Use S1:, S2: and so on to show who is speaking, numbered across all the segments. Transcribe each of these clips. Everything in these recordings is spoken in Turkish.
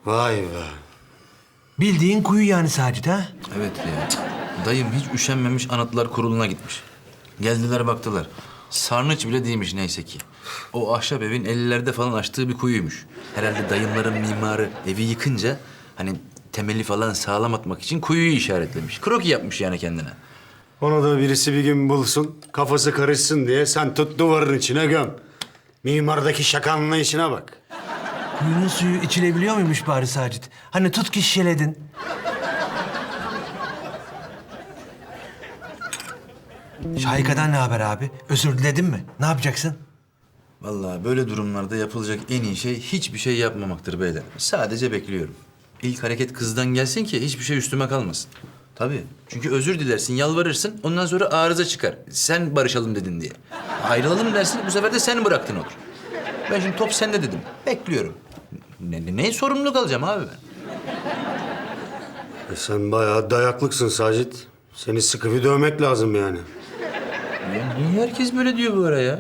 S1: Vay be.
S2: Bildiğin kuyu yani Sacit ha?
S3: Evet ya. Dayım hiç üşenmemiş Anıtlar Kurulu'na gitmiş. Geldiler baktılar. Sarnıç bile değilmiş neyse ki. O ahşap evin 50'lerde falan açtığı bir kuyuymuş. Herhalde dayımların mimarı evi yıkınca hani temeli falan sağlam atmak için kuyuyu işaretlemiş. Kroki yapmış yani kendine.
S1: Onu da birisi bir gün bulsun, kafası karışsın diye sen tut duvarın içine göm. Mimardaki şaka anlayışına bak.
S2: Kuyunun suyu içilebiliyor muymuş bari Sacit? Hani tut ki şişeledin. Şahika'dan ne haber abi? Özür diledin mi? Ne yapacaksın?
S3: Vallahi böyle durumlarda yapılacak en iyi şey hiçbir şey yapmamaktır beyler. Sadece bekliyorum. İlk hareket kızdan gelsin ki hiçbir şey üstüme kalmasın. Tabii. Çünkü özür dilersin, yalvarırsın. Ondan sonra arıza çıkar. Sen barışalım dedin diye. Ayrılalım dersin, bu sefer de sen bıraktın olur. Ben şimdi top sende dedim. Bekliyorum. Ne sorumluluk alacağım abi ben?
S1: Sen bayağı dayaklıksın Sacit. Seni sıkı bir dövmek lazım yani.
S3: Ya niye herkes böyle diyor bu ara ya?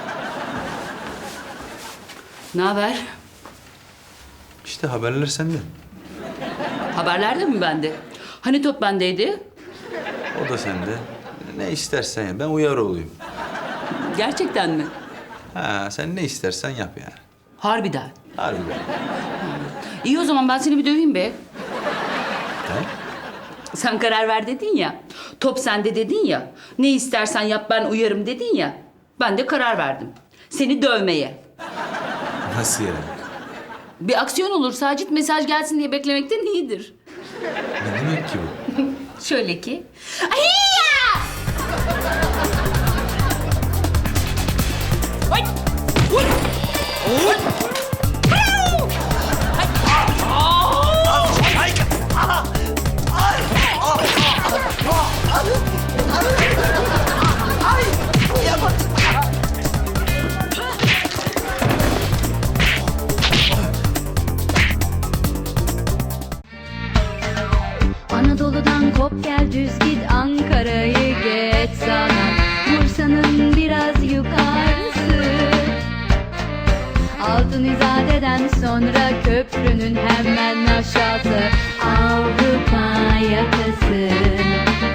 S4: Ne haber?
S3: İşte haberler sende.
S4: Haberler de mi bende? Hani top bendeydi?
S3: O da sende. Ne istersen ya. Ben uyar olayım.
S4: Gerçekten mi?
S3: Ha, sen ne istersen yap yani.
S4: Harbiden.
S3: Harbiden.
S4: İyi o zaman ben seni bir döveyim be.
S3: Tamam.
S4: Sen karar ver dedin ya. Top sende dedin ya. Ne istersen yap ben uyarım dedin ya. Ben de karar verdim. Seni dövmeye.
S3: Nasıl yani?
S4: Bir aksiyon olur Sacit, mesaj gelsin diye beklemekten iyidir.
S3: Ne demek ki bu?
S4: Şöyle ki. Ahiyya! Ay! Uy! Uy! Au! Ay!
S5: Anadolu'dan kop gel düz git Ankara'yı geç sana Bursa'nın biraz yukarısı Altın İzade'den sonra köprünün hemen aşağısı Avrupa yakası